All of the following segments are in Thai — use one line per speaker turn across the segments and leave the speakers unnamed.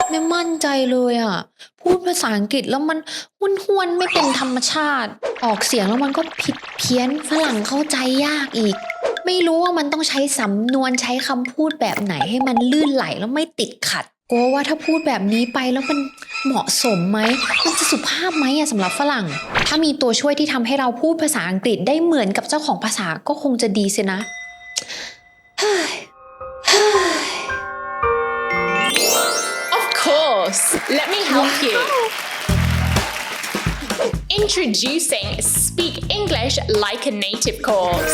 ไม่มั่นใจเลยอ่ะพูดภาษาอังกฤษแล้วมันห้วนๆไม่เป็นธรรมชาติออกเสียงแล้วมันก็ผิดเพี้ยนฝรั่งเข้าใจยากอีกไม่รู้ว่ามันต้องใช้สำนวนใช้คำพูดแบบไหนให้มันลื่นไหลแล้วไม่ติดขัดกลัวว่าถ้าพูดแบบนี้ไปแล้วมันเหมาะสมไหมมันจะสุภาพไหมอะสำหรับฝรั่งถ้ามีตัวช่วยที่ทำให้เราพูดภาษาอังกฤษได้เหมือนกับเจ้าของภาษาก็คงจะดีสินะ
Of course, let me help you. Introducing Speak English Like a Native course.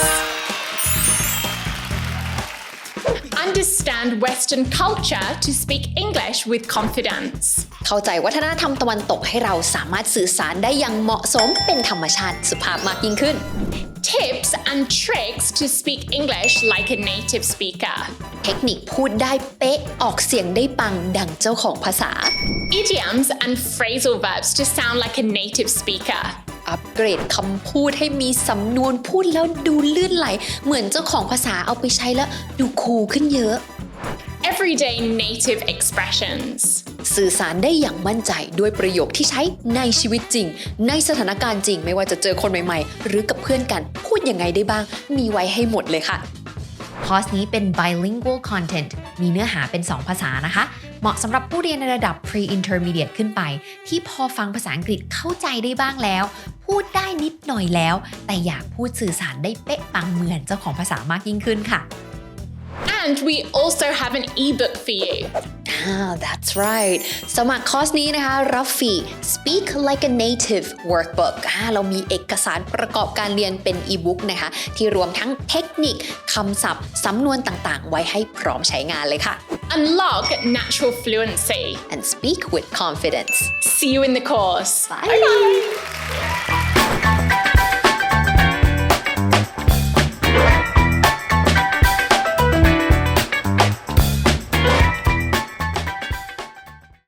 Understand Western culture to speak English with confidence.
เข้าใจวัฒนธรรมตะวันตกให้เราสามารถสื่อสารได้อย่างเหมาะสมเป็นธรรมชาติสุภาพมากยิ่งขึ้น
Tips and tricks to speak English like a native speaker.
เทคนิคพูดได้เป๊ะออกเสียงได้ปังดังเจ้าของภาษา
Idioms and phrasal verbs to sound like a native speaker.
อัปเกรดคำพูดให้มีสำนวนพูดแล้วดูลื่นไหลเหมือนเจ้าของภาษาเอาไปใช้แล้วดูคูลขึ้นเยอะ
Everyday native expressions.
สื่อสารได้อย่างมั่นใจด้วยประโยคที่ใช้ในชีวิตจริงในสถานการณ์จริงไม่ว่าจะเจอคนใหม่ๆหรือกับเพื่อนกันพูดยังไงได้บ้างมีไว้ให้หมดเลยค่ะคอร์สนี้เป็น bilingual content มีเนื้อหาเป็น 2 ภาษานะคะเหมาะสำหรับผู้เรียนในระดับ pre-intermediate ขึ้นไปที่พอฟังภาษาอังกฤษเข้าใจได้บ้างแล้วพูดได้นิดหน่อยแล้วแต่อยากพูดสื่อสารได้เป๊ะปังเหมือนเจ้าของภาษามากยิ่งขึ้นค่ะ
And we also have an ebook for you.
That's right สมัครคอร์สนี้นะคะรับฟรี Speak Like a Native Workbook เรามีเอกสารประกอบการเรียนเป็นอีบุ๊กนะคะที่รวมทั้งเทคนิคคำศัพท์สำนวนต่างๆไว้ให้พร้อมใช้งานเลยค่ะ
Unlock natural fluency.
and speak with confidence
See you in the course.
Bye.